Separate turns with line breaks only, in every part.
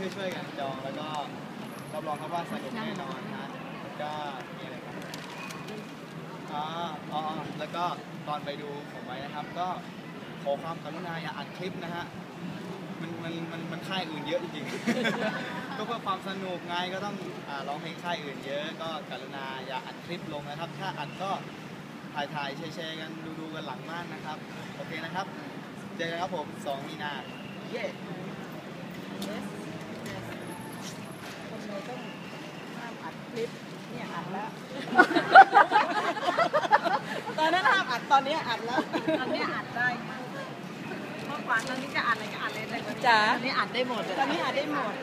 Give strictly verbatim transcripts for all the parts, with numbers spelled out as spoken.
ช่วยๆกันจองแล้วก็รับรองครับว่าสนุกแน่นอนฮะก็มีอะไรครับอ๋ออ๋อแล้วก็ตอนไปดูผมไว้นะครับก็ขอความกรุณาอย่าอัดคลิปนะฮะมันมันมันมันค่ายอื่นเยอะจริงๆ ก็เพื่อความสนุกไงก็ต้องอ่าร้องเพลงค่ายอื่นเยอะก็กรุณาอย่าอัดคลิปลงนะครับถ้าอัดก็ถ่ายถ่ายแชร์กันดูดูกันหลังม่านนะครับโอเคนะครับเจอกันครับผมสองมีนาเย้
คนเลยต้องห้ามอัดคลิปเนี่ยอัดแล้วตอนนั้นห้ามอัดตอนนี้อัดแล้วตอนนี้อัดได้เมื่อก่อนตอนนี้จะอัดอะไรก็อัดเลยแต่จ้าตอนนี้อัดได้หมดตอนนี้อัดได้หมด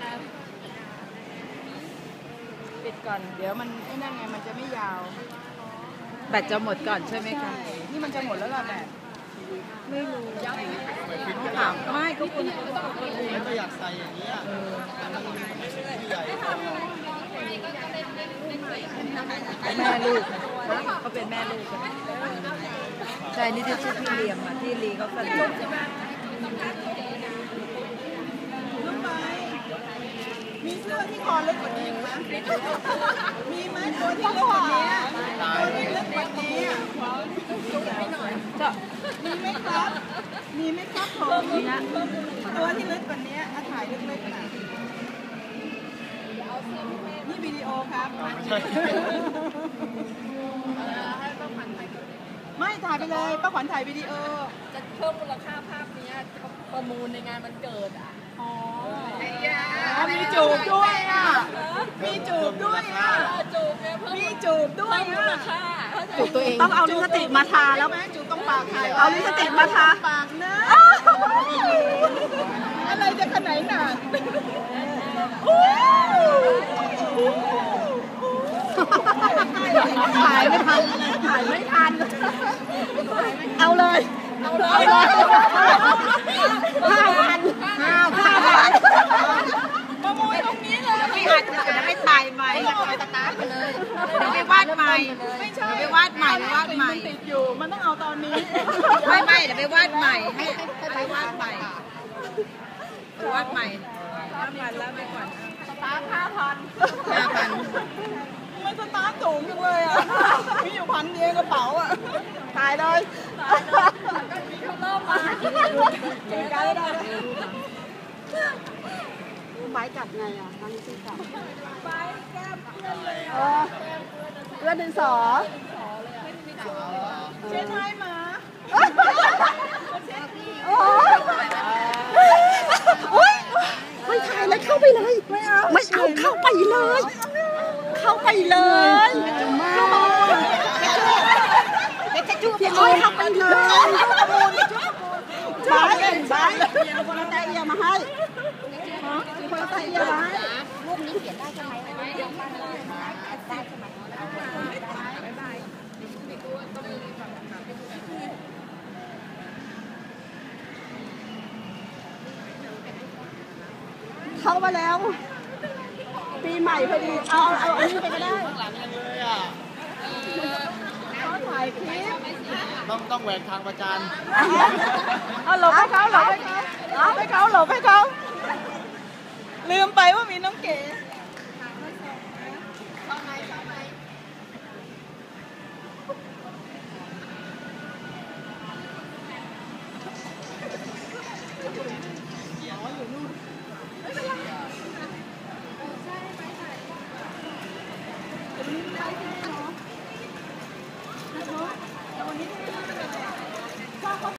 ปิดก่อนเดี๋ยวมันไอ้นั่นไงมันจะไม่ยาวแบตจะหมดก่อนใช่ไหมคะนี่มันจะหมดแล้วล่ะแบตไม่รู้ถามไม่ก็คุณ
ไม่ก็อยากใส่อย่างนี้อ่ะมันที่ใหญ่
แม่ลูกเขาเป็นแม่ลูกใช่นี่จะชื่อพี่เลียมอ่ะที่ลีเขาสนิทมีเสื้อที่คอเล็กกว่านี้ไหมมีไหมตัวที่เล็กกว่านี้ตัวที่เล็กกว่านี้จะมีไหมครับมีไหมครับผมตัวที่เล็กกว่านี้ถ่ายเล็กๆนะนี่วิดีโอครับไม่ถ่ายไปเลยป้าขวัญถ่ายวิดีโอ
จะเพิ่มมูลค่าภาพนี้ประมูลในงานมันเกิดอ่ะ
อ๋อมีจูบด้วยอ่ะมีจูบด้วยอ่ะ
จูบเนี่ยเพิ่ม
มีจูบด้วย
มูลค่า
จูบตัวเองต้องเอาลิปสติกมาทาแล้วไหมจูบต้องปากถ่ายเอาลิปสติกมาทาปากนะอะไรจะขนาดหนาถ่ายไม่ทันถ่ายไม่ทันเอาเลยเอาเลยห้าพันห้าพันประมูลตรงนี้เลยไม่อัดจะไม่ถ่ายใหม่ไปสตาร์ทไปเลยเดี๋ยวไปวาดใหม่ไม่ใช่ไปวาดใหม่วาดใหม่ติดอยู่มันต้องเอาตอนนี้ไม่ไม่เดี๋ยวไปวาดใหม่ให้ไปวาดใหม่ไปวาดใหม่ห้าพันแล้วไปก่อนสตาร์ทห้าพันห้าพันมันสตาร์ทสูงจังเลยอ่ะมีอยู่พันเดียวกระเป๋าอ่ะตายเลยเขาเริ่มมาเจอกันแล้วไม้จับไงอ่ะนั่งซื้อจับไม้แก้มเพื่อนเลยเออเพื่อนดินสอเช็ดไม้มาโอ้ยไม่ถ่ายแล้วเข้าไปเลยไม่เอาไม่เอาเข้าไปเลยเข้าไปเลยพี่อ้อยเข้าไปเลยบ้าเล่นบ้าเอาคนละแต่เอียมาให้คนละแต่เอียมาให้รูปนี้เขียนได้ใช่ไหมได้ใช่ไหมเข้ามาแล้วปีใหม่พอดีเอาเอาอันนี้ไปก็ได้
หลังเลยอ่ะ
เขาถ่ายคลิป
ต้องต้องแหวกทางประจาน
เอาหลบให้เขาหลบให้เขาหลบให้เขาหลบให้เขาลืมไปว่ามีน้องเก๋